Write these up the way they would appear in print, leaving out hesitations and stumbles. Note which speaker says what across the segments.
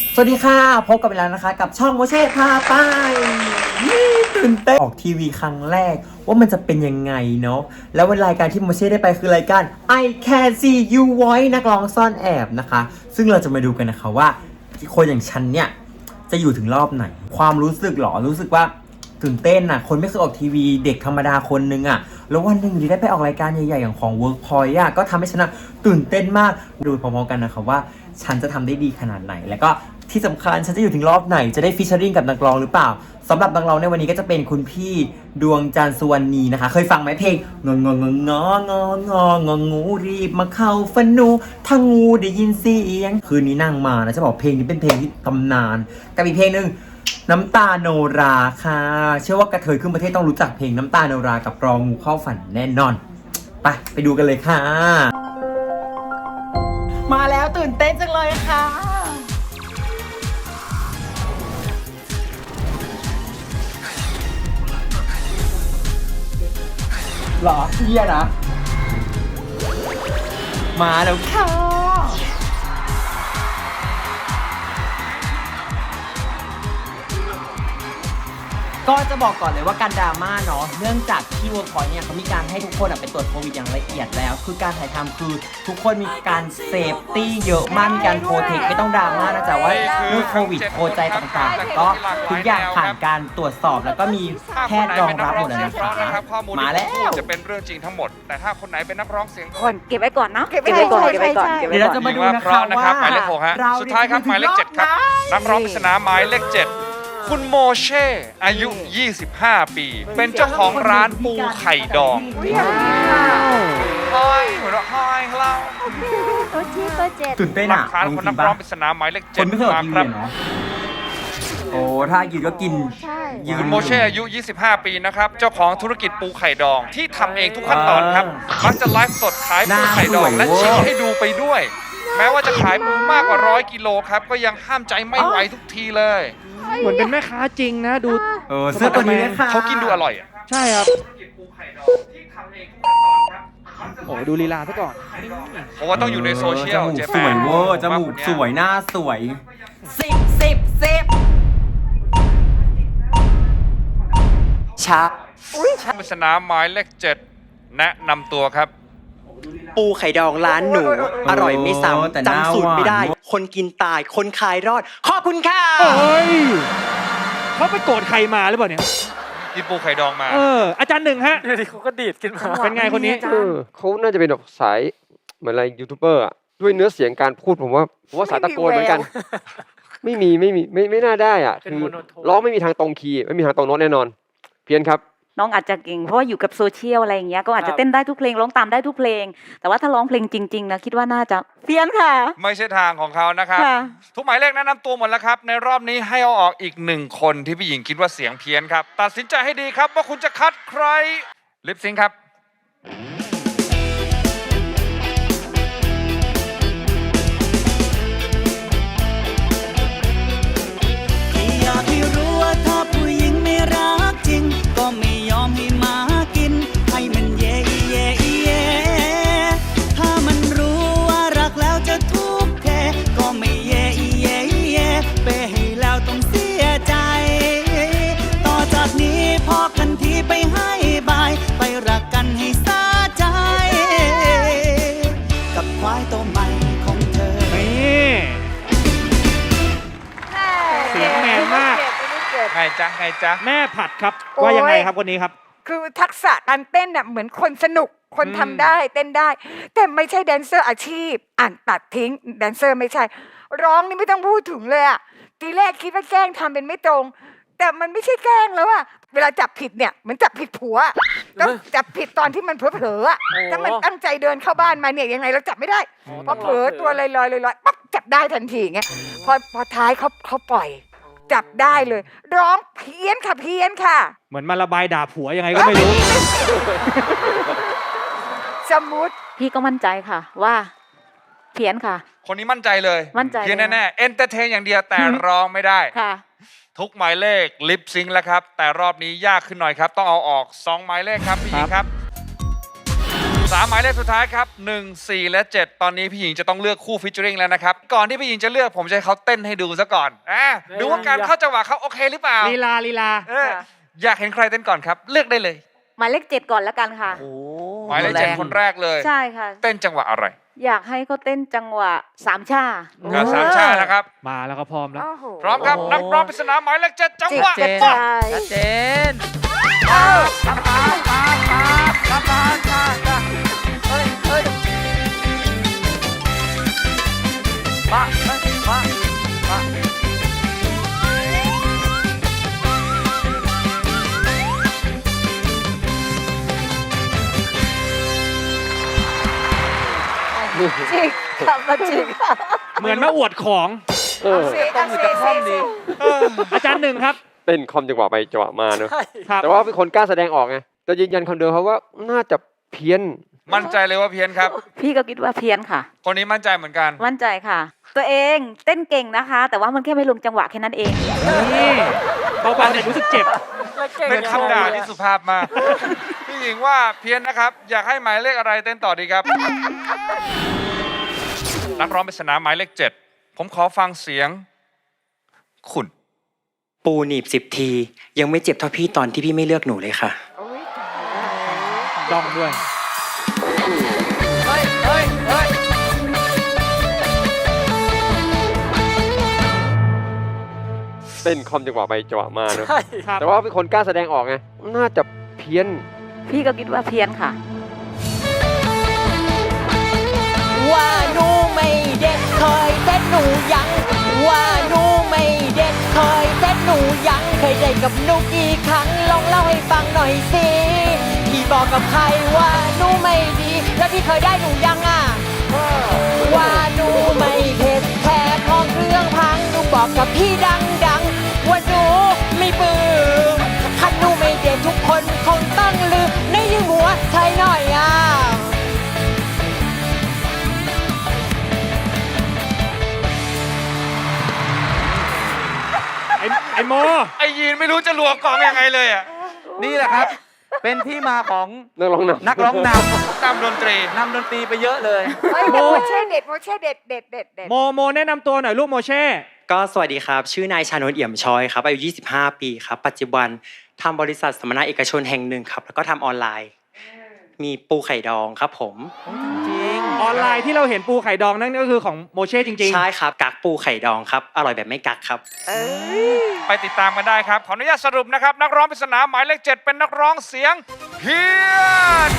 Speaker 1: สวัสดีค่ะพบกันไปแล้วนะคะกับช่องโมเช่พาไปตื่นเต้นออกทีวีครั้งแรกว่ามันจะเป็นยังไงเนาะแล้ววันรายการที่โมเช่ได้ไปคือรายการ I Can See You Voice นักร้องซ่อนแอบนะคะซึ่งเราจะมาดูกันนะคะว่าคนอย่างฉันเนี่ยจะอยู่ถึงรอบไหนความรู้สึกหรอรู้สึกว่าตื่นเต้นน่ะคนไม่เคยออกทีวีเด็กธรรมดาคนนึงอ่ะแล้ววันหนึ่งได้ไปออกรายการใหญ่ๆอย่างของ Workpoint อ่ะก็ทำให้ฉันตื่นเต้นมากดูพร้อมๆกันนะคะว่าฉันจะทำได้ดีขนาดไหนแล้วก็ที่สำคัญฉันจะอยู่ถึงรอบไหนจะได้ฟิชเชอริงกับนักร้องหรือเปล่าสำหรับนักร้องในวันนี้ก็จะเป็นคุณพี่ดวงจันทร์สุวรรณีนะคะเคยฟังไหมเพลงงงงงงงูรีบมาเข้าฝันหนูถ้างูได้ยินเสียงคืนนี้นั่งมานะจะบอกเพลงนี้เป็นเพลงที่ตำนานกับอีกเพลงหนึ่งน้ำตาโนราค่ะเชื่อว่ากระเทยขึ้นประเทศต้องรู้จักเพลงน้ำตาโนรากับรองงูเข้าฝันแน่นอนไปดูกันเลยค่ะมาแล้วตื่นเต้นจังเลยค่ะหรอเฮียนะมาแล้วค่ะก็จะบอกก่อนเลยว่าการดราม่าเนาะเนื่องจากที่ Workpoint เนี่ยเขามีการให้ทุกคนไปตรวจโควิดอย่างละเอียดแล้วคือการถ่ายทำคือทุกคนมีการเซฟตี้เยอะมากมีการโปรเทคไม่ต้องดราม่านะจ๊ะว่าเรื่องโควิดโคใจต่างๆก็ทุกอย่างผ่านการตรวจสอบแล้วก็มีแพทย์รองรับหมดเลยนะคะมาแล้ว
Speaker 2: จะเป็นเรื่องจริงทั้งหมดแต่ถ้าคนไหนเป็นนักร้องเสียง
Speaker 3: ก่อนเก็บไว้ก่อนเนาะ
Speaker 4: เก็บไว้ก่อน
Speaker 1: เดี๋ยวเราจะมาดูนะคะว่า
Speaker 2: หมายเลข 6 ฮะสุดท้ายครับหมายเลข 7 ครับนักร้องปริศนาหมายเลข 7คุณโมเช่อายุ 25 ปี เป็นเจ้าของร้านปูไข่ดองฮอยหัวเราะฮอยเรา
Speaker 4: ตัวที่เบอร์7
Speaker 1: ตื่นเต้น
Speaker 2: หลั
Speaker 1: อ่ะ
Speaker 2: กฐานคนนักร้องปริศนาหมายเลข
Speaker 1: คนไม่เคยออก
Speaker 2: 7
Speaker 1: ที
Speaker 2: มา
Speaker 1: วี
Speaker 2: ครับ
Speaker 1: เนาะโอ้ถ้ากินก็กิน
Speaker 4: ใช่
Speaker 1: ยืน
Speaker 2: คุณโมเช่อายุ 25 ปีนะครับเจ้าของธุรกิจปูไข่ดองที่ทำเองทุกขั้นตอนครับมักจะไลฟ์สดขายปูไข่ดองและชี้ให้ดูไปด้วย แม้ว่าจะขายปูมากกว่า100 กิโลครับก็ยังห้ามใจไม่ไหวทุกทีเลย
Speaker 5: เหมือนเป็นแม่ค้าจริงนะดู
Speaker 1: เสื้อตัวนี้เลยค่ะ
Speaker 2: เขากินดูอร่อยอ่ะ
Speaker 5: ใช่ครับโอ้ดูลีลาซะก่อน
Speaker 2: เพราะว่าต้องอยู่ในโซเชียล
Speaker 1: จมูก
Speaker 2: เจ๊
Speaker 1: ส
Speaker 2: แป
Speaker 1: วยเวอร์จมูกสวยหน้าสวยช้า
Speaker 2: ปริศนาหมายเลข 7 แนะนำตัวครับ
Speaker 6: ปูไข่ดองร้านหนู อร่อยไม่ซ้ำจำสูตรไม่ได้ คนกินตายคนขายรอด ขอบคุณค่ะ
Speaker 5: เฮ้ยเขาไปโกรธใครมาหรือเปล่าเนี่ย
Speaker 2: กินปูไข่ดองมา
Speaker 5: อาจารย์หนึ่งฮะ
Speaker 7: เขาก็ดีดขึ้นมา
Speaker 5: เป็นไงคนนี้
Speaker 7: เขาน่าจะเป็นแบบสายเหมือนอะไรยูทูบเบอร์อะด้วยเนื้อเสียงการพูดผมว่าสายตะโกนเหมือนกัน ไม่น่าได้อ่ะคือร้องไม่มีทางตรงคีย์ไม่มีทางตรงโน้ตแน่นอน เพี้ยนครับ
Speaker 3: น้องอาจจะเก่งเพราะว่าอยู่กับโซเชียลอะไรอย่างเงี้ยก็อาจจะเต้นได้ทุกเพลงร้องตามได้ทุกเพลง แต่ว่าถ้าร้องเพลงจริงๆนะคิดว่าน่าจะเพี้ยนค่ะ
Speaker 2: ไม่ใช่ทางของเขานะครับ
Speaker 3: ค่ะ
Speaker 2: ทุกหมายเลขแนะนำตัวหมดแล้วครับ ในรอบนี้ให้เอาออกอีก1 คนที่พี่หญิงคิดว่าเสียงเพี้ยนครับ ตัดสินใจให้ดีครับว่าคุณจะคัดใครลิปซิงค์ครับ
Speaker 6: อยากให้รู้ว่าถ้าผู้หญิงไม่รักจริง ก็ไม่ยอมให้มากิน ให้มันเย่เย่เย่ถ้ามันรู้ว่ารักแล้วจะทุกข์แท้ก็ไม่เย่เย่เย่ไปให้แล้วต้องเสียใจ ต่อจากนี้พอกันทีไปให้บาย ไปรักกันให้สาใจ กับควายตัวใหม่ของเธอ
Speaker 5: นี่เสียงแมนมาก
Speaker 2: ไงจ๊ะไงจ๊ะ
Speaker 5: แม่ผัดครับ ว่ายังไงครับคนนี้ครับ
Speaker 4: คือทักษะการเต้นน่ะเหมือนคนสนุกคนทำได้เต้นได้ แต่ไม่ใช่แดนเซอร์อาชีพอ่านตัดทิ้งแดนเซอร์ไม่ใช่ ร้องนี่ไม่ต้องพูดถึงเลยอะทีแรกคิดว่าแกล้งทำเป็นไม่ตรง แต่มันไม่ใช่แกล้งแล้วอะเวลาจับผิดเนี่ยเหมือนจับผิดผัวต้องจับผิดตอนที่มันเผลอๆอะถ้ามันตั้งใจเดินเข้าบ้านมาเนี่ยยังไงเราจับไม่ได้พอเผลอตัวลอยๆปั๊บจับได้ทันทีไงพอท้ายเขาปล่อย จับได้เลย ร้องเพี้ยนค่ะเพี้ยนค่ะ
Speaker 5: เหมือนมาระบายด่าผัวยังไงก็ไม่รู้
Speaker 4: สมูท
Speaker 3: พี่ก็มั่นใจค่ะว่าเพี้ยนค่ะ
Speaker 2: คนนี้มั่นใจเลย
Speaker 3: มั่นใจ
Speaker 2: เพี้ยนแน่ๆเอนเตอร์เทนอย่างเดียวแต่ร้องไม่ได้
Speaker 3: ค่ะ
Speaker 2: ทุกหมายเลขลิปซิงค์แล้วครับ แต่รอบนี้ยากขึ้นหน่อยครับ ต้องเอาออก2 หมายเลขครับพี่หญิงครับ 3 หมายเลขสุดท้ายครับ 1 4 และ 7 ตอนนี้พี่หญิงจะต้องเลือกคู่ฟิชเจอริงแล้วนะครับ ก่อนที่พี่หญิงจะเลือกผมจะให้เขาเต้นให้ดูซะก่อนดูว่าการเข้าจังหวะเขาโอเคหรือเปล่า
Speaker 5: ลีลา
Speaker 2: อยากเห็นใครเต้นก่อนครับ เลือกได้เลย
Speaker 3: หมายเลข7ก่อนแล้วกันค่ะ
Speaker 2: หมายเลข7คนแรกเลย
Speaker 3: ใช่ค่ะ
Speaker 2: เต้นจังหวะอะไร
Speaker 3: อยากให้เขาเต้นจังหวะสามชา
Speaker 2: สามชาตินะครับ
Speaker 5: มาแล้วก็พร้อมแล้ว
Speaker 4: โอ้โห
Speaker 2: พร้อมครับนักร้องปริศนาหมายเลข7จังหวะ
Speaker 3: เจ็ด
Speaker 2: มา
Speaker 3: ชาย
Speaker 1: เจน
Speaker 3: จริงค่ะมาจริงค่ะ
Speaker 5: เหมือนมาอวดของ
Speaker 7: เออ
Speaker 5: อาจารย์หนึ่งครับ
Speaker 7: เต้นคอมจังหวะไปจังหวะมาเนอะ
Speaker 5: ครับ
Speaker 7: แต่ว่าเป็นคนกล้าแสดงออกไงแต่ยืนยันคำเดิมครับว่าน่าจะเพี้ยน
Speaker 2: มั่นใจเลยว่าเพี้ยนครับ
Speaker 3: พี่ก็คิดว่าเพี้ยนค่ะ
Speaker 2: คนนี้มั่นใจเหมือนกัน
Speaker 3: มั่นใจค่ะ ตัวเองเต้นเก่งนะคะ แต่ว่ามันแค่ไม่ลงจังหวะแค่นั้นเอง
Speaker 5: นี่เบาๆเนี่ยรู้สึกเจ็บ
Speaker 2: เป็นคำด่าที่สุภาพมาก พี่หญิงว่าเพี้ยนนะครับ อยากให้หมายเลขอะไรเต้นต่อดีครับ นักร้องปริศนาหมายเลข7ผมขอฟังเสียง คุณ
Speaker 1: ปูหนีบ10 ที ยังไม่เจ็บเท่าพี่ตอนที่พี่ไม่เลือกหนูเลยค่ะ
Speaker 5: ดองด้วย
Speaker 7: เต้นคอมจังหวะไปจังหวะมาเนอะ
Speaker 5: ครับ
Speaker 7: แต่ว่าเป็นคนกล้าแสดงออกไงน่าจะเพี้ยน
Speaker 3: พี่ก็คิดว่าเพี้ยนค่ะ
Speaker 8: ว่าหนูไม่เด็ดเคยเซ็ตหนูยังว่าหนูไม่เด็ดเคยเซ็ตหนูยังเคยได้กับหนูกี่ครั้งลองเล่าให้ฟังหน่อยสิพี่บอกกับใครว่าหนูไม่ดีแล้วพี่เคยได้หนูยังว่าหนูไม่เผ็ดแค่ของเครื่องพังหนูบอกกับพี่ดังๆว่าหนูไม่ปื้มถ้าหนูไม่เด็ดทุกคนคงต้องลืมในยืมหัวใช่หน่อย
Speaker 5: ไอ้โม
Speaker 2: ไอยีนไม่รู้จะรัวกองยังไงเลยอ่ะ
Speaker 9: นี่แหละครับ เป็นที่มาของ
Speaker 7: นักร้องนำ
Speaker 9: นักร้องน
Speaker 2: ตามดนตรี
Speaker 9: ำนำดนตรีไปเยอะเลย
Speaker 4: เฮ้ยแต่โมเช่เด็ดโมเช่เด็ดเด็ดเด็ดเด็ด
Speaker 5: โมแนะนำตัวหน่อยลูกโมเช่
Speaker 1: ก็สวัสดีครับ ชื่อนายชานนท์เอี่ยมชอยครับอายุ25 ปีครับ ปัจจุบันทำบริษัทสัมมนาเอกชนแห่งหนึ่งครับ แล้วก็ทำออนไลน์ มีปูไข่ดองครับผม
Speaker 9: จริง
Speaker 5: ออนไลน์ที่เราเห็นปูไข่ดองนั่นก็คือของโมเช่จริง
Speaker 1: ใช่ครับ กักปูไข่ดองครับ อร่อยแบบไม่กักครับ
Speaker 2: ไปติดตามกันได้ครับ ขออนุญาตสรุปนะครับ นักร้องปริศนาหมายเลข7เป็นนักร้องเสียงเพี้ยน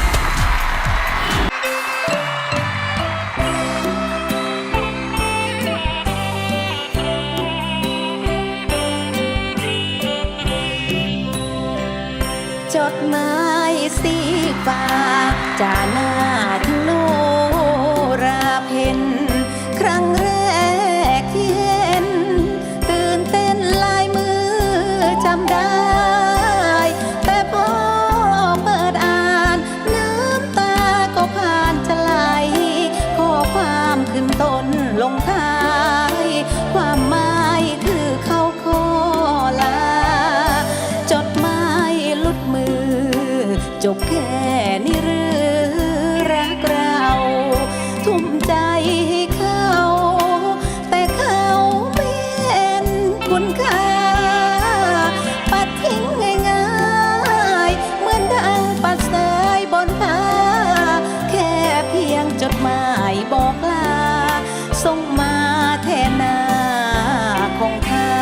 Speaker 8: จดหมายสีฟ้าจาหน้าถึงโนราเพนครั้งแรกที่เห็นตื่นเต้นลายมือจำได้ แต่พอเปิดอ่านน้ำตาก็ผ่านจะไหลข้อความขึ้นต้นลงท้าย ความหมายคือเขาขอลา จดหมายหลุดมือ จบแค่นี้หรือรักเรา ทุ่มใจให้เขา แต่เขาไม่เห็นคุณค่าปัดทิ้งง่ายๆเหมือนดังปัดเสยบนผ้าแค่เพียงจดหมายบอกลาส่งมาแทนหน้าของเขา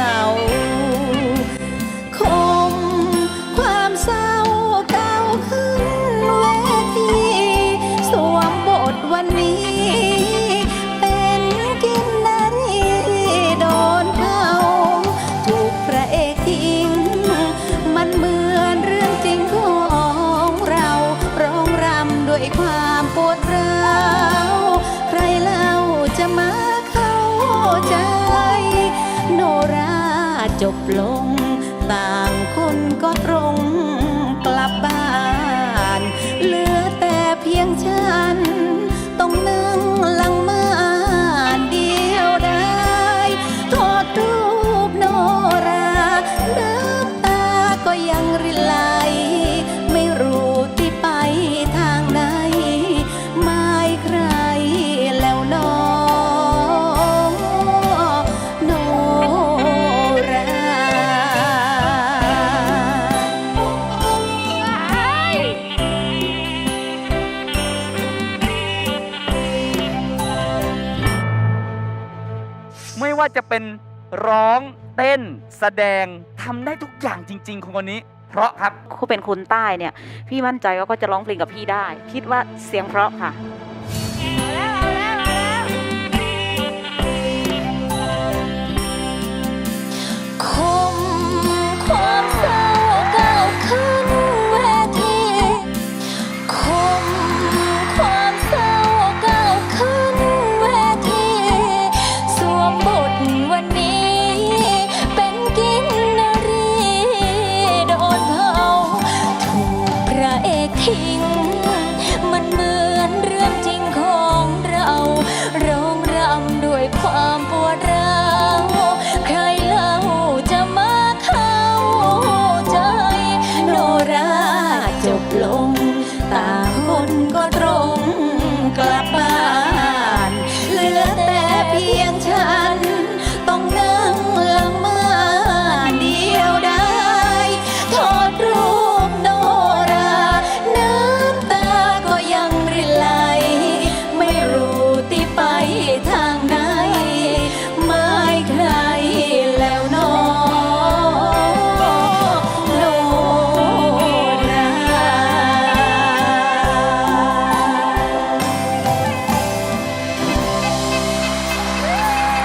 Speaker 8: คมความเศร้าเก่าขึ้นเวทีสวมบทวันนี้ เป็นกินนารีโดนเผาถูกพระเอกทิ้งมันเหมือนเรื่องจริงของเราร้องรำด้วยความปวดร้าวใครเล่าจะมาเข้าใจ โนราจบลง ต่างคนก็ตรงกลับบ้าน เหลือแต่เพียงฉัน ต้องนั่งหลังม่านเดียวได้ทอดรูปโนราน้ำตาก็ยังรินไหล ไม่รู้ที่ไปทางใด
Speaker 9: ว่าจะเป็นร้องเต้นแสดงทำได้ทุกอย่างจริง ๆ ของคนนี้ เพราะครับ
Speaker 3: เขาเป็นคนใต้เนี่ย พี่มั่นใจว่าก็จะร้องเพลงกับพี่ได้ คิดว่าเสียงเพราะค่ะ